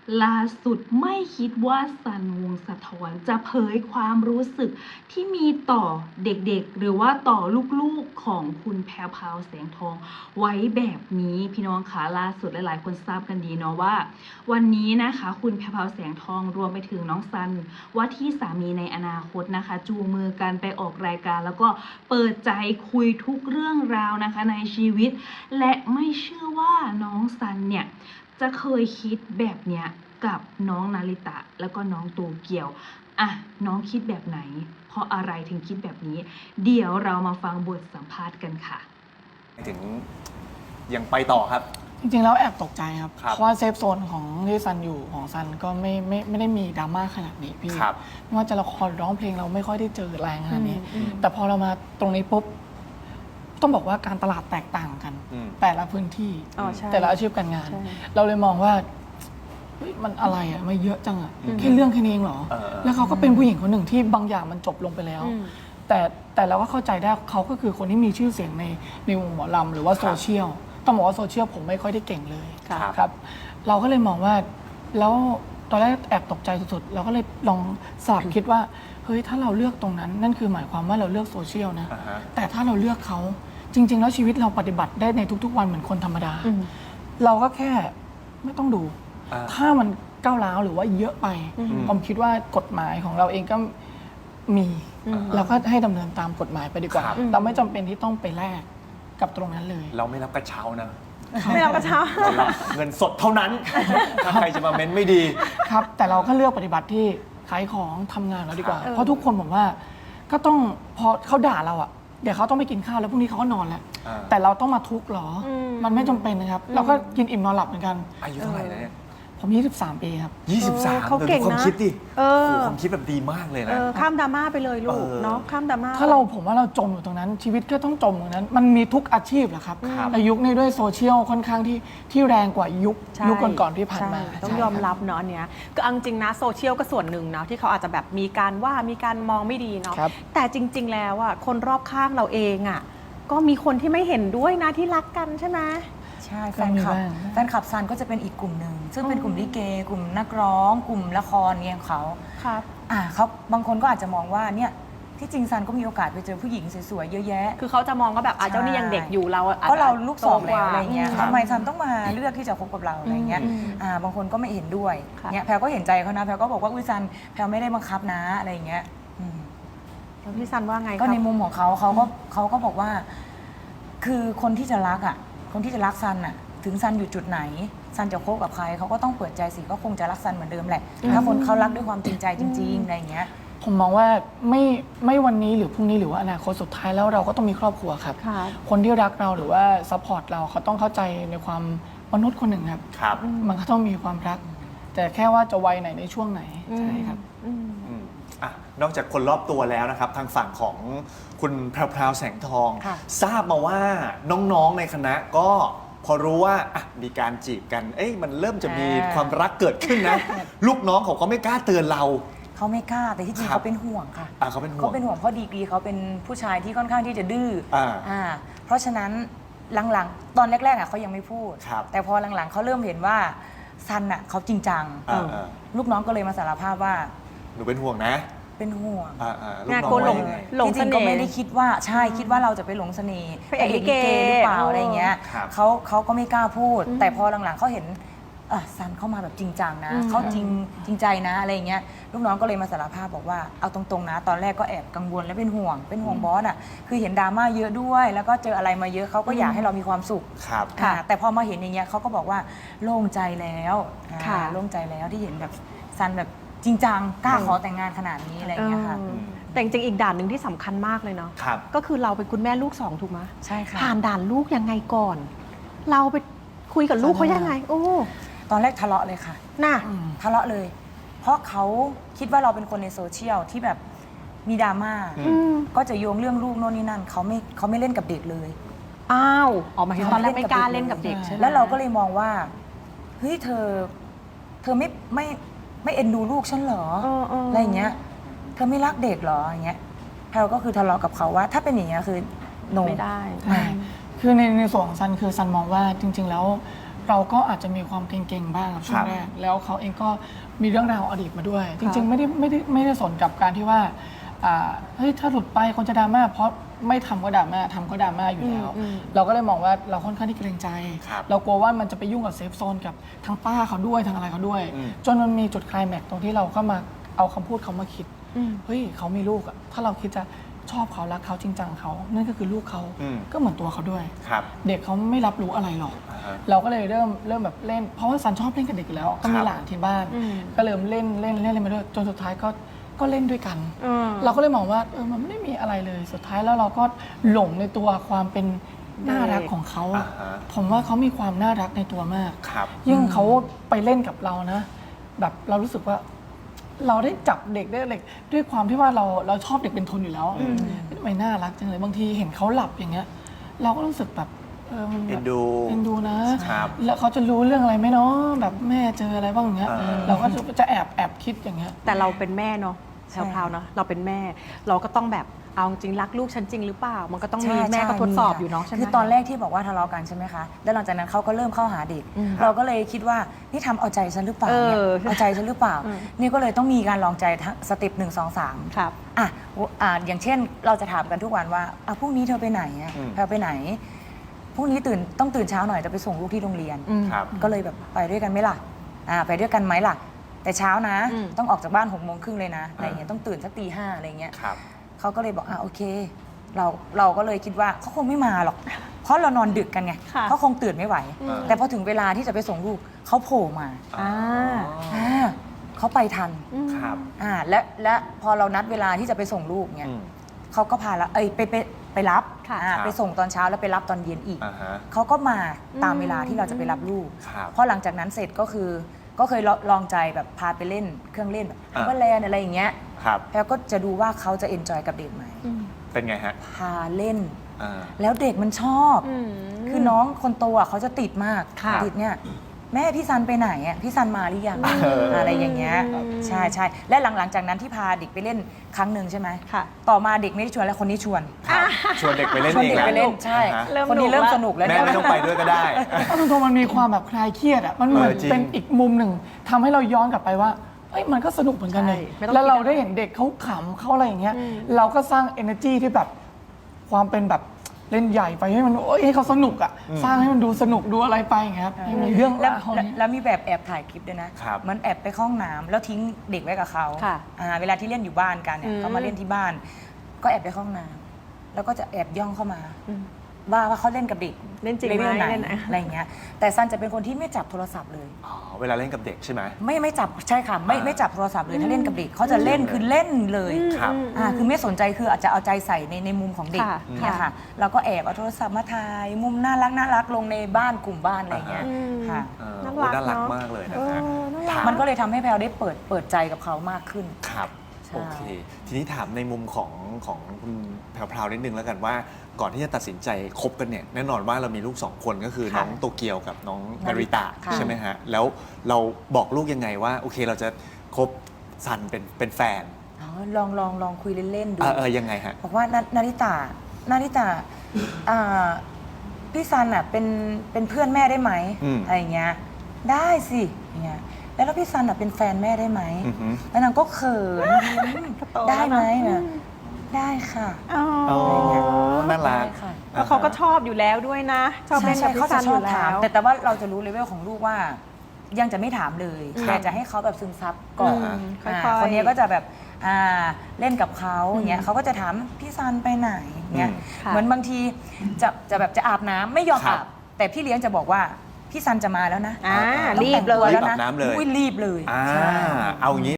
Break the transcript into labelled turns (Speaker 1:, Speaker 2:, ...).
Speaker 1: ล่าสุดไม่คิดว่าสันวงศ์สะท้อนจะเผยความรู้สึกที่มีต่อเด็กๆหรือว่าต่อลูกๆของคุณแพรวพราวแสงทองไว้แบบนี้พี่น้องคะล่าสุดหลายๆคนทราบกันดีเนาะว่าวันนี้นะคะคุณแพรวพราวแสงทองรวมไปถึงน้องซันว่าที่สามีในอนาคตนะคะจูงมือกันไปออกรายการแล้วก็เปิดใจคุยทุกเรื่องราวนะคะในชีวิตและไม่เชื่อว่าน้องซันเนี่ยจะเคยคิดแบบเนี้ยกับน้องนาริตะแล้วก็น้องโตเกียวอ่ะน้องคิดแบบไหนเพราะอะไรถึงคิดแบบนี้เดี๋ยวเรามาฟังบทสัมภาษณ์กันค่ะ
Speaker 2: ถึงยังไปต่อครับ
Speaker 3: จริงๆแล้วแอบตกใจครับ
Speaker 2: ครับ
Speaker 3: เพราะว่าเซฟโซนของที่ซันอยู่ของซันก็ไม่ได้มีดราม่าขนาดนี้พี่ไม่ว่าจะละครร้องเพลงเราไม่ค่อยได้เจอแรงขนาดนี้แต่พอเรามาตรงนี้ปุ๊บต้องบอกว่าการตลาดแตกต่างกันแต่ละพื้นที่แต่ละอาชีพการงานเราเลยมองว่ามันอะไรอ่ะไม่เยอะจังอ่ะแค่เรื่องแค่นี้เองเหรอแล้วเขาก็เป็นผู้หญิงคนหนึ่งที่บางอย่างมันจบลงไปแล้วแต่เราก็เข้าใจได้เขาก็คือคนที่มีชื่อเสียงในวงหมอลำหรือว่าโซเชียลต้องบอกว่าโซเชียลผมไม่ค่อยได้เก่งเลยครับเราก็เลยมองว่าแล้วตอนแรกแอบตกใจสุดๆเราก็เลยลองสลับคิดว่าเฮ้ยถ้าเราเลือกตรงนั้นนั่นคือหมายความว่าเราเลือกโซเชียลนะแต่ถ้าเราเลือกเขาจริงๆแล้วชีวิตเราปฏิบัติได้ในทุกๆวันเหมือนคนธรรมดาเราก็แค่ไม่ต้องดูถ้ามันก้าวร้าวหรือว่าเยอะไปผมคิดว่ากฎหมายของเราเองก็มีเราก็ให้ดำเนินตามกฎหมายไปดีกว่าเราไม่จำเป็นที่ต้องไปแลกกับตรงนั้นเลย
Speaker 2: เราไม่รับกระเช้านะ
Speaker 4: ไม่รับกระเช้า
Speaker 2: เรารับเงินสดเท่านั้นถ้าใครจะมาเม้นไม่ดี
Speaker 3: ครับแต่เราก็เลือกปฏิบัติที่ขายของทำงานเราดีกว่าเพราะทุกคนผมว่าก็ต้องพอเขาด่าเราอ่ะเดี๋ยวเขาต้องไปกินข้าวแล้วพรุ่งนี้เขาก็นอนแล้วแต่เราต้องมาทุกข์หรอมันไม่จำเป็นนะครับเราก็กินอิ่มนอนหลับเหมือนกัน
Speaker 2: อายุเท่าไหร่แล้วเนี่ย
Speaker 3: ผม23 ปีครับ
Speaker 2: 23
Speaker 4: เขาเก่งนะ
Speaker 2: ความคิดดิความคิดแบบดีมากเลยนะ
Speaker 4: ข้ามดราม่าไปเลยลูกเนาะข้ามดราม่า
Speaker 3: ถ้าผมว่าเราจมอยู่ตรงนั้นชีวิตก็ต้องจมอยู่นั้นมันมีทุกอาชีพแหละครับในยุคนี้ด้วยโซเชียลค่อนข้างที่แรงกว่ายุคก่อนๆที่ผ่านมา
Speaker 4: ต้องยอมรับเนาะอันเนี้ยก็จริงนะโซเชียลก็ส่วนหนึ่งเนาะที่เขาอาจจะแบบมีการว่ามีการมองไม่ดีเนาะแต่จริงๆแล้วอ่ะคนรอบข้างเราเองอ่ะก็มีคนที่ไม่เห็นด้วยนะที่รักกันใช่ไหม
Speaker 5: ใช่แฟนคลับซันก็จะเป็นอีกกลุ่มหนึ่งซึ่งเป็นกลุ่มลิเกกลุ่มนักร้องกลุ่มละครเนี่ยของเขา
Speaker 4: ครับ
Speaker 5: เขาบางคนก็อาจจะมองว่าเนี่ยที่จริงซันก็มีโอกาสไปเจอผู้หญิงสวยๆเยอะแยะ
Speaker 4: คือเขาจะมองก็แบบเจ้านี่ยังเด็กอยู่เรา
Speaker 5: ก็เราลูกสองแล้วอะไรเงี้ยทำไมซันต้องมาเลือกที่จะคบกับเราอะไรเงี้ยบางคนก็ไม่เห็นด้วยเนี่ยแพรก็เห็นใจเขานะแพรก็บอกว่าอุ้ยซันแพรไม่ได้บังคับนะอะไรเงี้ย
Speaker 4: แล้วพี่ซันว่าไง
Speaker 5: ก็ในมุมของเขาก็บอกว่าคือคนที่จะรักคนที่จะรักซันถึงซันอยู่จุดไหนซันจะคบกับใครเขาก็ต้องเปิดใจสิก็คงจะรักซันเหมือนเดิมแหละถ้าคนเขารักด้วยความจริงใจจริงๆอะไรอย่างเงี้ย
Speaker 3: ผมมองว่าไม่วันนี้หรือพรุ่งนี้หรือว่าอนาคตสุดท้ายแล้วเราก็ต้องมีครอบครัวครับคนที่รักเราหรือว่าซัพพอร์ตเราเขาต้องเข้าใจในความมนุษย์คนหนึ่งครับมันก็ต้องมีความรักแต่แค่ว่าจะวัยไหนในช่วงไหนใช่ครับ
Speaker 2: นอกจากคนรอบตัวแล้วนะครับทางฝั่งของคุณแพรวแสงทองทราบมาว่าน้องๆในคณะก็พอรู้ว่ามีการจีบกันมันเริ่มจะมีความรักเกิดขึ้นนะลูกน้องเขาก็ไม่กล้าเตือนเรา
Speaker 5: เขาไม่กล้าแต่ที่จริงเขาเป็นห่วงค่ะ
Speaker 2: เขาเป็นห่วง
Speaker 5: เพราะดีกรีเขาเป็นผู้ชายที่ค่อนข้างที่จะดื้อเพราะฉะนั้นหลังๆตอนแรกๆเขายังไม่พูดแต่พอหลังๆเขาเริ่มเห็นว่าซันเขาจริงจังลูกน้องก็เลยมาสารภาพว่า
Speaker 2: หนูเป็นห่วงนะ
Speaker 5: เป็นห่วง
Speaker 4: งานคนหลง
Speaker 5: เสน่ห์ก็ไม่ได้คิดว่าใช่คิดว่าเราจะไปหลงเสน่ห์ไปลิเกหรือเปล่าอะไรเงี้ยเขาก็ไม่กล้าพูดแต่พอหลังๆเขาเห็นซันเข้ามาแบบจริงจังนะเขาจริงใจนะอะไรเงี้ยลูกน้องก็เลยมาสารภาพบอกว่าเอาตรงๆนะตอนแรกก็แอบกังวลและเป็นห่วงบอสคือเห็นดราม่าเยอะด้วยแล้วก็เจออะไรมาเยอะเขาก็อยากให้เรามีความสุขแต่พอมาเห็นอย่างเงี้ยเขาก็บอกว่าโล่งใจแล้วโล่งใจแล้วที่เห็นแบบซันแบบจริงจังกล้าขอแต่งงานขนาดนี้อะไรอย่างเงี้ยค่ะ
Speaker 4: แต่จริงๆอีกด่านหนึ่งที่สำคัญมากเลยเนาะก็คือเราเป็นคุณแม่ลูก2ถูกไหม
Speaker 5: ใช่ค่ะ
Speaker 4: ผ่านด่านลูกยังไงก่อนเราไปคุยกับลูกเขายังไง
Speaker 5: ตอนแรกทะเลาะเลยค่ะทะเลาะเลยเพราะเขาคิดว่าเราเป็นคนในโซเชียลที่แบบมีดราม่าก็จะโยงเรื่องลูกโน่นนี่นั่นเขาไม่เล่นกับเด็กเลย
Speaker 4: ออกมาตอนแรกไม่กล้าเล่นกับเด็กใช่ไหม
Speaker 5: แล้วเราก็เลยมองว่าเฮ้ยเธอไม่เอ็นดูลูกฉันเหรออะไรอย่างเงี้ยเธอไม่รักเด็กเหรออย่างเงี้ยแพลก็คือทะเลาะกับเขาว่าถ้าเป็นอย่างเงี้ยคือ
Speaker 4: ไม่ได้
Speaker 3: คือในส่วนของซันคือซันมองว่าจริงๆแล้วเราก็อาจจะมีความเก่งๆบ้างครับช่วงแรกแล้วเขาเองก็มีเรื่องราวอดีตมาด้วย จริงๆไม่ได้สนกับการที่ว่าเฮ้ยถ้าหลุดไปคนจะดราม่าเพราะไม่ทำก็ดราม่าทำก็ดราม่าอยู่แล้ว เราก็เลยมองว่าเราค่อนข้างที่เกรงใจ เรากลัวว่ามันจะไปยุ่งกับเซฟโซนกับทั้งป้าเขาด้วยทั้งอะไรเขาด้วย จนมันมีจุดไคลแม็กซ์ตรงที่เราก็มาเอาคำพูดเขามาคิดเฮ้ยเขามีลูกอะถ้าเราคิดจะชอบเขารักเขาจริงจังเขานั่นก็คือลูกเขาก็เหมือนตัวเขาด้วยเด็กเขาไม่รับรู้อะไรหรอกเราก็เลยเริ่มแบบเล่นเพราะว่าซันชอบเล่นกับเด็กอยู่แล้วก็มีหลานที่บ้านก็เริ่มเล่นมาด้วยจนสุดท้ายก็เล่นด้วยกันเราก็เลยมองว่ามันไม่ได้มีอะไรเลยสุดท้ายแล้วเราก็หลงในตัวความเป็นน่ารักของเขาผมว่าเขามีความน่ารักในตัวมากยิ่งเขาไปเล่นกับเรานะแบบเรารู้สึกว่าเราได้จับเด็กได้ด้วยความที่ว่าเราชอบเด็กเป็นทุนอยู่แล้วทำไมน่ารักจังเลยบางทีเห็นเขาหลับอย่างเงี้ยเราก็รู้สึกแบบมันแบบเอ็นดูนะแล้วเขาจะรู้เรื่องอะไรไหมเนาะแบบแม่เจออะไรบ้างอย่างเงี้ยเราก็จะแอบคิดอย่างเงี้ย
Speaker 4: แต่เราเป็นแม่เนาะแพรวๆเนาะเราเป็นแม่เราก็ต้องแบบเอาจริงรักลูกฉันจริงหรือเปล่ามันก็ต้องมีแม่ก็ทดสอบอยู่เนาะใช่ไหม
Speaker 5: คือตอนแรกที่บอกว่าทะเลาะกันใช่ไหมคะแล้วหลังจากนั้นเขาก็เริ่มเข้าหาเด็กเราก็เลยคิดว่านี่ทำเอาใจฉันหรือเปล่าเนี่ยเอาใจฉันหรือเปล่านี่ก็เลยต้องมีการลองใจสเต็ป1 2 3
Speaker 4: ครับ
Speaker 5: อย่างเช่นเราจะถามกันทุกวันว่าพรุ่งนี้เธอไปไหนแพรไปไหนพรุ่งนี้ต้องตื่นเช้าหน่อยจะไปส่งลูกที่โรงเรียนก็เลยแบบไปด้วยกันไหมล่ะไปด้วยกันไหมล่ะแต่เช้านะต้องออกจากบ้าน6:30เลยนะอะไรเงี้ยต้องตื่นสักตี 5อะไรเงี้ยเขาก็เลยบอกโอเคเราก็เลยคิดว่าเขาคงไม่มาหรอกเพราะเรานอนดึกกันไงเขาคงตื่นไม่ไหวแต่พอถึงเวลาที่จะไปส่งลูกเขาโผล่มาเขาไปทันและพอเรานัดเวลาที่จะไปส่งลูกเนี่ยเขาก็พาเราไปรับไปส่งตอนเช้าแล้วไปรับตอนเย็นอีกเขาก็มาตามเวลาที่เราจะไปรับลูกพอหลังจากนั้นเสร็จก็เคยลองใจแบบพาไปเล่นเครื่องเล่นแบบว่าแลนอะไรอย่างเงี้ยแล้วก็จะดูว่าเขาจะเอนจอยกับเด็กไหม
Speaker 2: เป็นไงฮะ
Speaker 5: พาเล่นแล้วเด็กมันชอบคือน้องคนโตเขาจะติดมากติดเนี่ยแม่พี่ซันไปไหนพี่ซันมาหรือยังอะไรอย่างเงี้ยใช่และหลังจากนั้นที่พาเด็กไปเล่นครั้งหนึ่งใช่ไหมต่อมาเด็กไม่ได้ชวนแล้วคนนี้ชวน
Speaker 2: เด็กไปเล่นเอง
Speaker 5: แล้วใช่คนนี้เริ่มสนุกแล้ว
Speaker 2: แม่ไม่ต้องไปด้วยก็ได้
Speaker 3: ตรงมันมีความแบบคลายเครียดมันเหมือนเป็นอีกมุมหนึ่งทำให้เราย้อนกลับไปว่ามันก็สนุกเหมือนกันเลยแล้วเราได้เห็นเด็กเขาขำเขาอะไรอย่างเงี้ยเราก็สร้าง energy ที่แบบความเป็นแบบเล่นใหญ่ไปให้มันให้เขาสนุกสร้างให้มันดูสนุกดูอะไรไปอย่างเงี้ยครับมีเรื่อง
Speaker 5: แล้วมีแบบแอบถ่ายคลิปด้วยนะมันแอบไปเข้าห้องน้ำแล้วทิ้งเด็กไว้กับเขาเวลาที่เล่นอยู่บ้านกันเนี่ยเขามาเล่นที่บ้าน ก็แอบไปเข้าห้องน้ำแล้วก็จะแอบย่องเข้ามาว่าเขาเล่นกับเด็ก
Speaker 4: เล่นจริงไหม
Speaker 5: อะไรอย่างเงี้ยแต่ซันจะเป็นคนที่ไม่จับโทรศัพท์เลย
Speaker 2: เวลาเล่นกับเด็กใช่ไหม
Speaker 5: ไม่จับใช่ค่ะไม่จับโทรศัพท์เลยถ้าเล่นกับเด็กเขาจะเล่นคือเล่นเลยคือไม่สนใจคืออาจจะเอาใจใส่ในมุมของเด็กเนี่ยค่ะเราก็แอบเอาโทรศัพท์มาถ่ายมุมน่ารักลงในบ้านกลุ่มบ้านอะไรอย่างเงี้ยค่ะ
Speaker 2: น่ารักมากเลยนะฮะ
Speaker 5: มันก็เลยทำให้แพลวได้เปิดใจกับเขามากขึ้น
Speaker 2: ครับโอเคทีนี้ถามในมุมของคุณแพรวๆนิดนึงแล้วกันว่าก่อนที่จะตัดสินใจคบกันเนี่ยแน่นอนว่าเรามีลูก2คนก็คือน้องโตเกียวกับน้องนาริตะใช่ไหมฮะแล้วเราบอกลูกยังไงว่าโอเคเราจะคบซันเป็นแฟน
Speaker 5: ลองคุยเล่นๆดู
Speaker 2: ยังไงฮะ
Speaker 5: บอกว่านาริตะพี่ซันเป็นเพื่อนแม่ได้ไหมอะไรอย่างเงี้ยได้สิอย่างเงี้ยแล้วพี่ซันเป็นแฟนแม่ได้ไหมแล้วนางก็เขินได้ไหมได้ค่ะ
Speaker 2: น่ารัก
Speaker 4: แล้วเขาก็ชอบอยู่แล้วด้วยนะชอบเล่นกับพี่ซันอยู่แล้ว
Speaker 5: แต่ว่าเราจะรู้เลเวลของลูกว่ายังจะไม่ถามเลยแต่จะให้เขาแบบซึมซับก่อนคนนี้ก็จะแบบเล่นกับเขาอย่างเงี้ยเขาก็จะถามพี่ซันไปไหนเงี้ยเหมือนบางทีจะอาบน้ำไม่ยอมอาบแต่พี่เลี้ยงจะบอกว่าพี่ซันจะมาแล้วนะ
Speaker 4: รีบเลย
Speaker 5: แล้วนะรีบเลย
Speaker 2: เอางี้